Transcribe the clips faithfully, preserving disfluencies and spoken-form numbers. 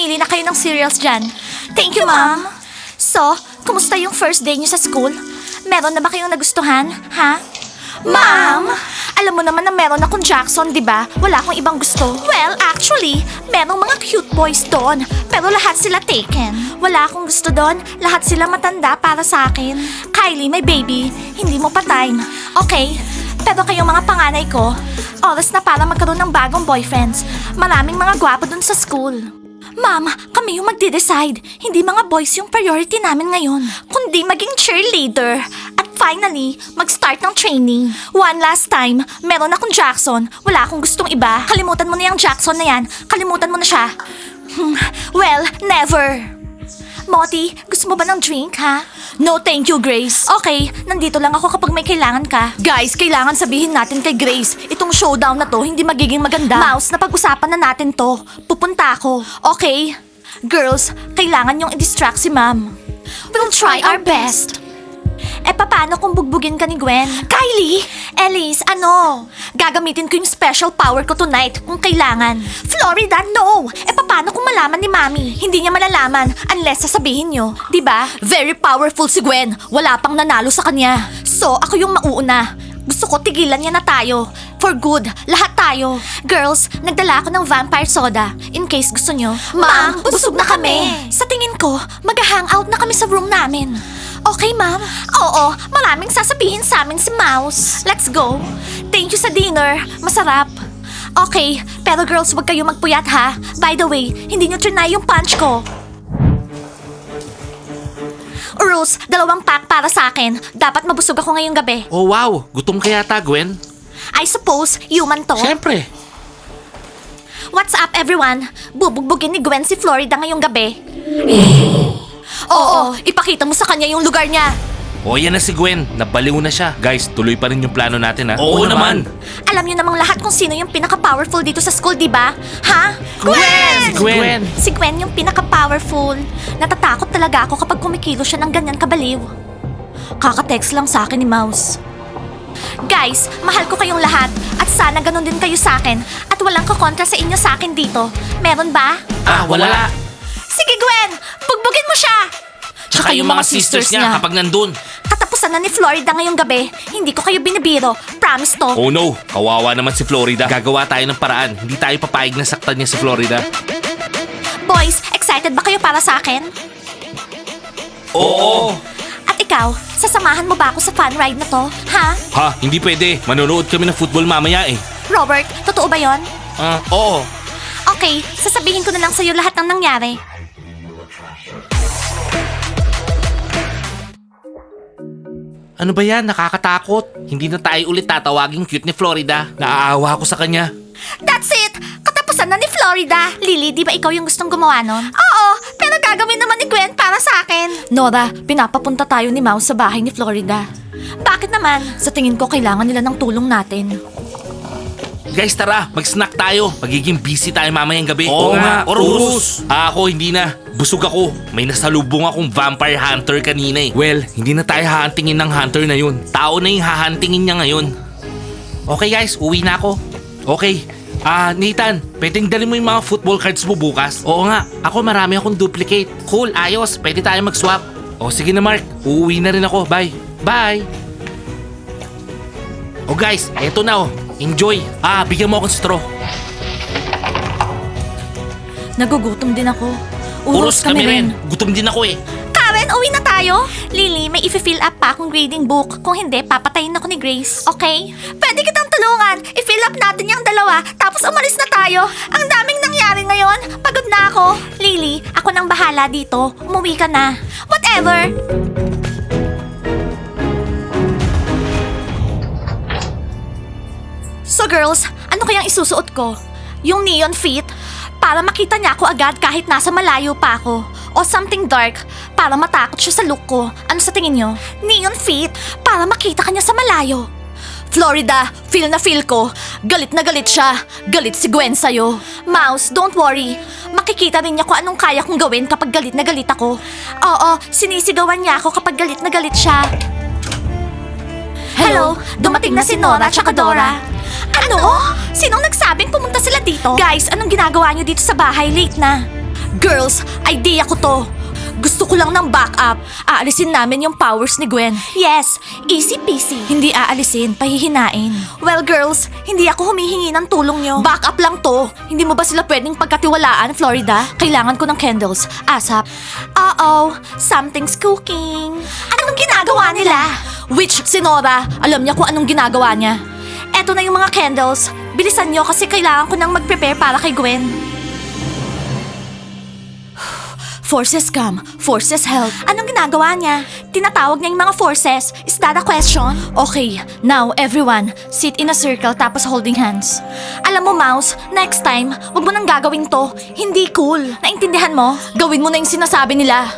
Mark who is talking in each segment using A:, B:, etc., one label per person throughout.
A: Mamili na kayo ng cereals dyan. Thank you, ma'am. So, kumusta yung first day niyo sa school? Meron na ba kayong nagustuhan, ha? Ma'am! Alam mo naman na meron akong Jackson, di ba? Wala akong ibang gusto. Well, actually, merong mga cute boys doon. Pero lahat sila taken. Wala akong gusto doon. Lahat sila matanda para sa akin. Kylie, my baby, hindi mo pa time. Okay, pero kayong mga panganay ko, oras na para magkaroon ng bagong boyfriends. Maraming mga gwapo doon sa school. Ma'am, kami yung magde-decide. Hindi mga boys yung priority namin ngayon. Kundi maging cheerleader. At finally, mag-start ng training. One last time, meron akong Jackson. Wala akong gustong iba. Kalimutan mo na yung Jackson na yan. Kalimutan mo na siya. Hmm, well, never. Moti, gusto mo ba ng drink, ha? No, thank you, Grace. Okay, nandito lang ako kapag may kailangan ka. Guys, kailangan sabihin natin kay Grace, itong showdown na to hindi magiging maganda. Mouse, napag-usapan na natin to. Pupunta ako. Okay? Girls, kailangan yung i-distract si Ma'am. We'll try our best. Eh, paano kung bugbugin ka ni Gwen? Kylie! Elise, ano? Gagamitin ko yung special power ko tonight kung kailangan. Florida, no! Eh, paano kung malaman ni Mami? Hindi niya malalaman unless sasabihin niyo. Diba? Very powerful si Gwen. Wala pang nanalo sa kanya. So, ako yung mauuna. Gusto ko tigilan niya na tayo. For good. Lahat tayo. Girls, nagdala ako ng vampire soda. In case gusto nyo. Ma'am, busog na kami. Sa tingin ko, mag-hangout na kami sa room namin. Okay, ma'am? Oo, maraming sasabihin sa amin si Mouse. Let's go. Thank you sa dinner. Masarap. Okay, pero girls, wag kayo magpuyat ha. By the way, hindi nyo trinay yung punch ko. Rules, dalawang pack para sa akin. Dapat mabusog ako ngayong gabi.
B: Oh wow, gutom ka yata, Gwen?
A: I suppose, human to.
B: Siyempre.
A: What's up, everyone? Bubugbugin ni Gwen si Florida ngayong gabi. Oo, ipakita mo sa kanya yung lugar niya.
B: O yan na si Gwen, nabaliw na siya. Guys, tuloy pa rin yung plano natin ha.
C: Oo naman.
A: Alam niyo namang lahat kung sino yung pinaka-powerful dito sa school, di ba? Ha?
B: Si Gwen!
A: Si Gwen yung pinaka-powerful. Natatakot talaga ako kapag kumikilo siya ng ganyan kabaliw. Kaka-text lang sa akin ni Mouse. Guys, mahal ko kayong lahat at sana ganun din kayo sa akin at walang kakontra sa inyo sa akin dito. Meron ba?
B: Ah, wala.
A: Sige Gwen, bugbugin mo siya!
B: Tsaka yung mga sisters niya kapag nandun.
A: Katapusan na ni Florida ngayong gabi. Hindi ko kayo binibiro. Promise to.
B: Oh no, kawawa naman si Florida. Gagawa tayo ng paraan. Hindi tayo papayag na saktan niya si Florida.
A: Boys, excited ba kayo para sa akin?
B: Oo!
A: At ikaw, sasamahan mo ba ako sa fun ride na to? Ha?
B: Ha, hindi pwede. Manonood kami ng football mamaya eh.
A: Robert, totoo ba yon?
B: Ah, oo.
A: Okay, sasabihin ko na lang sa'yo lahat ng nangyari.
B: Ano ba yan? Nakakatakot. Hindi na tayo ulit tatawaging cute ni Florida. Naaawa ako sa kanya.
A: That's it! Katapusan na ni Florida. Lily, di ba ikaw yung gustong gumawa nun? Oo, pero gagawin naman ni Gwen para sa akin. Nora, pinapapunta tayo ni Mouse sa bahay ni Florida. Bakit naman? Sa tingin ko, kailangan nila ng tulong natin.
B: Guys, tara. Mag-snack tayo. Magiging busy tayo mamayang gabi.
C: Oo nga, Orus.
B: Ah, ako, hindi na. Busog ako. May nasalubong akong vampire hunter kanina eh. Well, hindi na tayo hahantingin ng hunter na yun. Tao na yung hahantingin niya ngayon. Okay guys, uwi na ako. Okay. Ah, Nathan, pwedeng dali mo yung mga football cards mo bukas? Oo nga, ako marami akong duplicate. Cool, ayos. Pwede tayo mag-swap. O sige na Mark, uuwi na rin ako. Bye. Bye. O guys, eto na oh. Enjoy. Ah, bigyan mo akong straw.
A: Nagugutom din ako.
B: Uros kami rin. Gutom din ako eh.
A: Karen, uwi na tayo. Lily, may i-fill up pa akong grading book. Kung hindi, papatayin ako ni Grace. Okay? Pwede kitang tulungan. I-fill up natin yung dalawa, tapos umalis na tayo. Ang daming nangyari ngayon. Pagod na ako. Lily, ako nang bahala dito. Umuwi ka na. Whatever. So girls, ano kayang isusuot ko? Yung neon fit? Para makita niya ako agad kahit nasa malayo pa ako. O something dark, para matakot siya sa look ko. Ano sa tingin niyo? Neon fit, para makita kanya sa malayo. Florida, feel na feel ko. Galit na galit siya. Galit si Gwen sa'yo. Mouse, don't worry. Makikita rin niya kung anong kaya kong gawin kapag galit na galit ako. Oo, sinisigawan niya ako kapag galit na galit siya. Hello, dumating na si Nora tsaka Dora. Ano? Sinong nagsabing pumunta sila dito? Guys, anong ginagawa niyo dito sa bahay? Late na. Girls, idea ko to. Gusto ko lang ng backup. Aalisin namin yung powers ni Gwen. Yes, easy peasy. Hindi aalisin, pahihinain. Well girls, hindi ako humihingi ng tulong nyo. Backup lang to. Hindi mo ba sila pwedeng pagkatiwalaan, Florida? Kailangan ko ng candles. Asap. Uh-oh, something's cooking. Anong ginagawa nila? Witch, si Nora. Alam niya kung anong ginagawa niya. Eto na yung mga candles. Bilisan nyo kasi kailangan ko nang mag-prepare para kay Gwen. Forces come, forces help. Anong ginagawa niya? Tinatawag niya yung mga forces. Is that a question? Okay, now everyone, sit in a circle tapos holding hands. Alam mo, Mouse, next time, wag mo nang gagawin to. Hindi cool. Naintindihan mo? Gawin mo na yung sinasabi nila.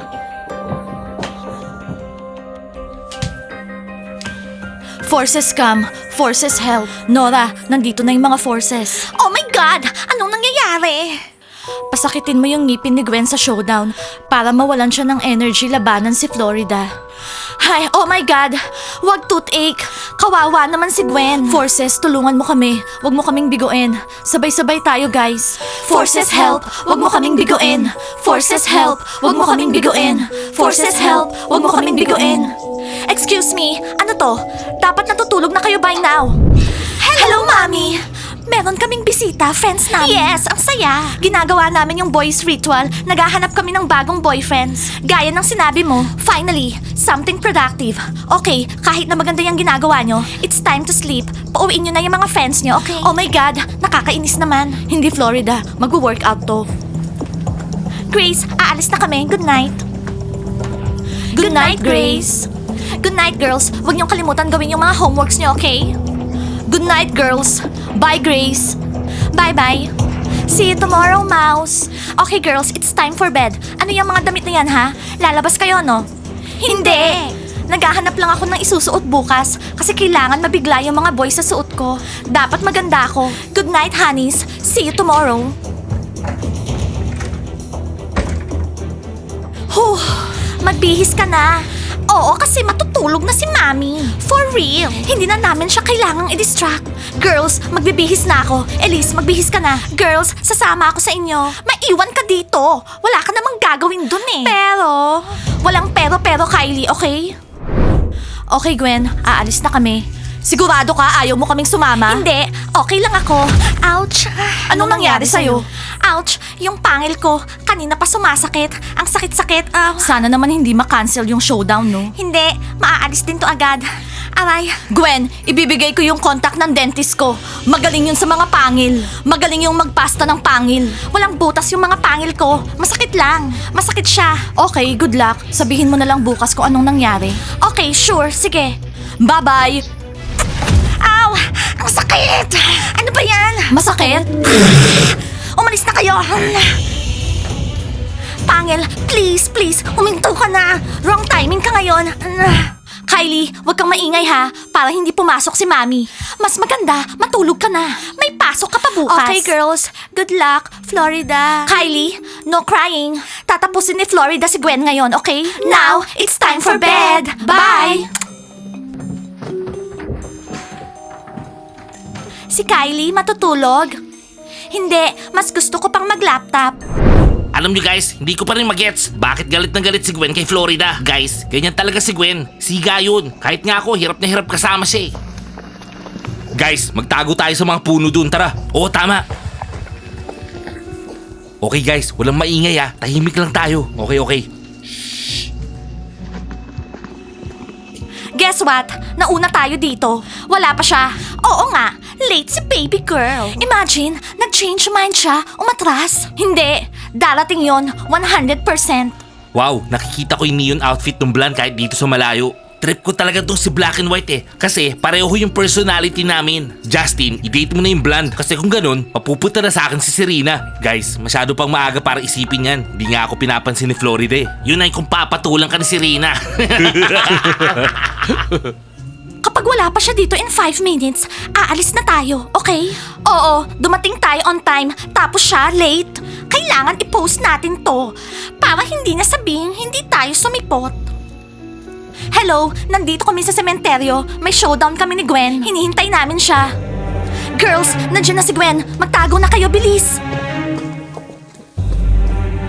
A: Forces come, forces help. Nora, nandito na yung mga forces. Oh my God! Anong nangyayari? Pasakitin mo yung ngipin ni Gwen sa showdown para mawalan siya ng energy labanan si Florida. Ay, oh my God! Wag toothache! Kawawa naman si Gwen. Forces, tulungan mo kami. Wag mo kaming biguin. Sabay-sabay tayo, guys. Forces, help! Wag mo kaming biguin. Forces, help! Wag mo kaming biguin. Forces, help! Wag mo kaming biguin. Excuse me, ano to? Dapat natutulog na kayo by now. Hello, Mommy! Meron kaming bisita, friends namin. Yes, ang saya. Ginagawa namin yung boys ritual. Naghahanap kami ng bagong boyfriends. Gaya ng sinabi mo, finally, something productive. Okay, kahit na maganda yung ginagawa nyo, it's time to sleep. Pauwiin nyo na yung mga friends nyo, okay? Oh my God, nakakainis naman. Hindi Florida, mag-workout to. Grace, aalis na kami. Good night. Good, night, Grace. Good night, girls. Huwag niyong kalimutan gawin yung mga homeworks niyo, okay? Good night, girls. Bye, Grace. Bye-bye. See you tomorrow, Mouse. Okay, girls, it's time for bed. Ano yung mga damit na yan, ha? Lalabas kayo, no? Hindi! Naghahanap lang ako ng isusuot bukas kasi kailangan mabigla yung mga boys sa suot ko. Dapat maganda ako. Good night, honeys. See you tomorrow. Huh, magbihis ka na. Oo, kasi matutulog na si Mami. For real. Hindi na namin siya kailangang i-distract. Girls, magbibihis na ako. Elise, magbihis ka na. Girls, sasama ako sa inyo. Maiwan ka dito. Wala ka namang gagawin dun eh. Pero, walang pero-pero, Kylie, okay? Okay, Gwen, aalis na kami. Sigurado ka ayaw mo kaming sumama? Hindi, okay lang ako. Ouch! Anong, nangyari sa'yo? Ouch! Yung pangil ko, kanina pa sumasakit. Ang sakit-sakit. ah. Sana naman hindi ma-cancel yung showdown, no? Hindi, maaalis din to agad. Aray. Gwen, ibibigay ko yung contact ng dentist ko. Magaling yun sa mga pangil. Magaling yung magpasta ng pangil. Walang butas yung mga pangil ko. Masakit lang. Masakit siya. Okay, good luck. Sabihin mo na lang bukas kung anong nangyari. Okay, sure. Sige. Bye-bye. Ow! Ang sakit! Ano ba yan? Masakit? Umalis na kayo! Pangil, please, please, huminto ka na! Wrong timing ka ngayon! Kylie, huwag kang maingay ha, para hindi pumasok si Mami. Mas maganda, matulog ka na. May pasok ka pa bukas. Okay, girls. Good luck, Florida. Kylie, no crying. Tatapusin ni Florida si Gwen ngayon, okay? Now, it's time for bed. Bye! Si Kylie matutulog? Hindi, mas gusto ko pang mag-laptop.
B: Alam nyo guys, hindi ko pa rin magets bakit galit na galit si Gwen kay Florida. Guys, ganyan talaga si Gwen. Siga yun. Kahit nga ako, hirap na hirap kasama siya eh. Guys, magtago tayo sa mga puno dun. Tara. Oo, tama. Okay guys, walang maingay ah. Tahimik lang tayo. Okay, okay.
A: Guess what? Nauna tayo dito. Wala pa siya. Oo nga, late si baby girl. Imagine, nag-change mind siya, umatras. Hindi, darating yon one hundred percent.
B: Wow, nakikita ko yung neon outfit ng blonde kahit dito sa malayo. Trip ko talaga tong si black and white eh. Kasi pareho yung personality namin. Justin, i-date mo na yung blonde. Kasi kung ganun, mapupunta na sa akin si Serena. Guys, masyado pang maaga para isipin yan. Hindi nga ako pinapansin ni Florida eh. Yun ay kung papatulang ka ni Serena.
A: Kapag wala pa siya dito in five minutes, aalis na tayo, okay? Oo, dumating tayo on time, tapos siya late. Kailangan i-post natin to para hindi na sabihing hindi tayo sumipot. Hello, nandito kami sa sementeryo. May showdown kami ni Gwen. Hinihintay namin siya. Girls, nandiyan na si Gwen. Magtago na kayo, bilis.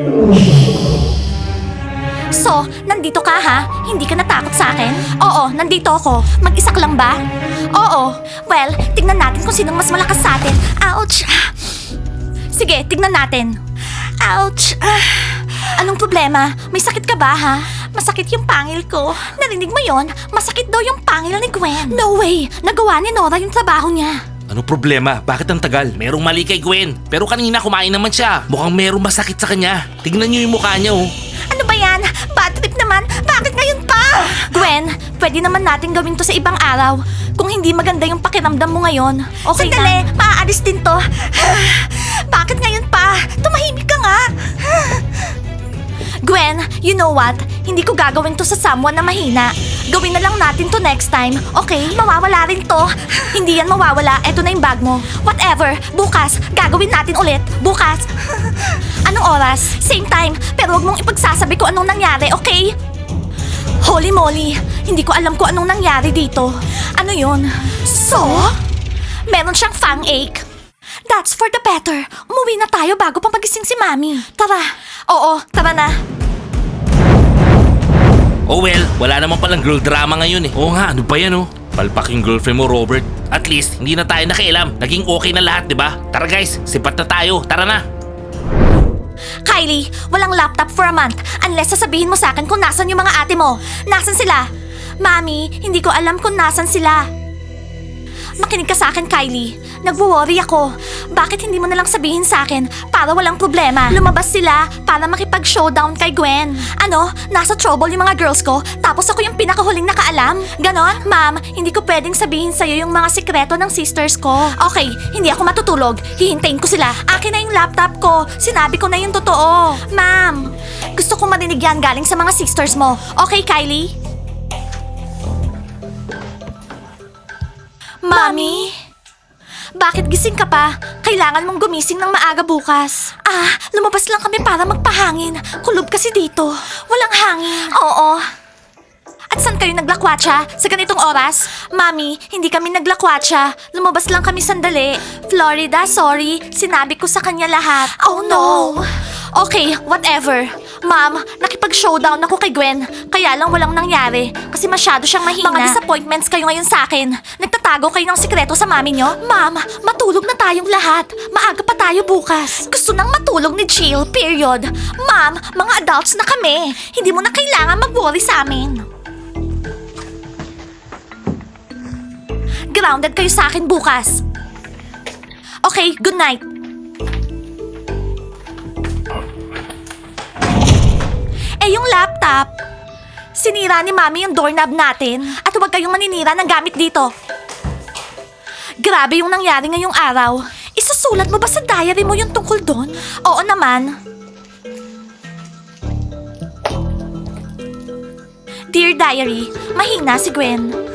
A: So, nandito ka ha? Hindi ka natakot sa akin? Oo, nandito ako. Mag-isa ka lang ba? Oo. Well, tignan natin kung sinong mas malakas sa atin. Ouch! Sige, tignan natin. Ouch! Anong problema? May sakit ka ba ha? Masakit yung pangil ko. Narinig mo yon? Masakit daw yung pangil ni Gwen. No way! Nagawa ni Nora yung trabaho niya.
B: Ano problema? Bakit ang tagal? Merong mali kay Gwen. Pero kanina kumain naman siya. Mukhang merong masakit sa kanya. Tignan niyo yung mukha niya oh.
A: Ano ba yan? Bad trip naman? Bakit ngayon pa? Gwen, pwede naman natin gawin to sa ibang araw. Kung hindi maganda yung pakiramdam mo ngayon. Okay Sandali, lang. Maaalis din to. Bakit ngayon pa? Tumahimik ka nga. Gwen, you know what? Hindi ko gagawin to sa someone na mahina. Gawin na lang natin to next time, okay? Mawawala rin to. Hindi yan mawawala. Eto na yung bag mo. Whatever. Bukas, gagawin natin ulit. Bukas. Anong oras? Same time. Pero wag mong ipagsasabi ko anong nangyari, okay? Holy moly. Hindi ko alam kung anong nangyari dito. Ano yun? So? Meron siyang fang ache. That's for the better. Umuwi na tayo bago pa magising si Mami. Tara. Oo, tara na.
B: Oh well, wala naman palang girl drama ngayon eh. Oo nga, ano ba yan oh? Palpak yung girlfriend mo, Robert. At least, hindi na tayo nakialam. Naging okay na lahat, di ba? Tara guys, sipat na tayo. Tara na.
A: Kylie, walang laptop for a month unless sasabihin mo sa akin kung nasan yung mga ate mo. Nasan sila? Mami, hindi ko alam kung nasan sila. Makinig ka sa akin, Kylie. Nagwo-worry ako. Bakit hindi mo nalang sabihin sa akin para walang problema? Lumabas sila para makipag-showdown kay Gwen. Ano? Nasa trouble yung mga girls ko tapos ako yung pinakahuling nakaalam? Ganon? Ma'am, hindi ko pwedeng sabihin sa'yo yung mga sikreto ng sisters ko. Okay, hindi ako matutulog. Hihintayin ko sila. Akin na yung laptop ko. Sinabi ko na yung totoo. Ma'am, gusto kong marinig yan galing sa mga sisters mo. Okay, Kylie? Mami? Bakit gising ka pa? Kailangan mong gumising ng maaga bukas. Ah, lumabas lang kami para magpahangin. Kulob kasi dito. Walang hangin. Oo. At saan kayo naglakwatsa? Sa ganitong oras? Mami, hindi kami naglakwatsa. Lumabas lang kami sandali. Florida, sorry. Sinabi ko sa kanya lahat. Oh no! Okay, whatever. Ma'am, nakipag-showdown ako kay Gwen. Kaya lang walang nangyari. Kasi masyado siyang mahina. Mga disappointments kayo ngayon sa akin. Nagtatago kayo ng sikreto sa mami nyo? Ma'am, matulog na tayong lahat. Maaga pa tayo bukas. Gusto nang matulog ni Jill, period. Ma'am, mga adults na kami. Hindi mo na kailangan mag-worry sa amin. Grounded kayo sa akin bukas. Okay, good night. Eh, yung laptop. Sinira ni Mami yung doorknob natin. At huwag kayong maninira ng gamit dito. Grabe yung nangyari ngayong araw. Isusulat mo ba sa diary mo yung tungkol doon? Oo naman. Dear Diary, mahina si Gwen.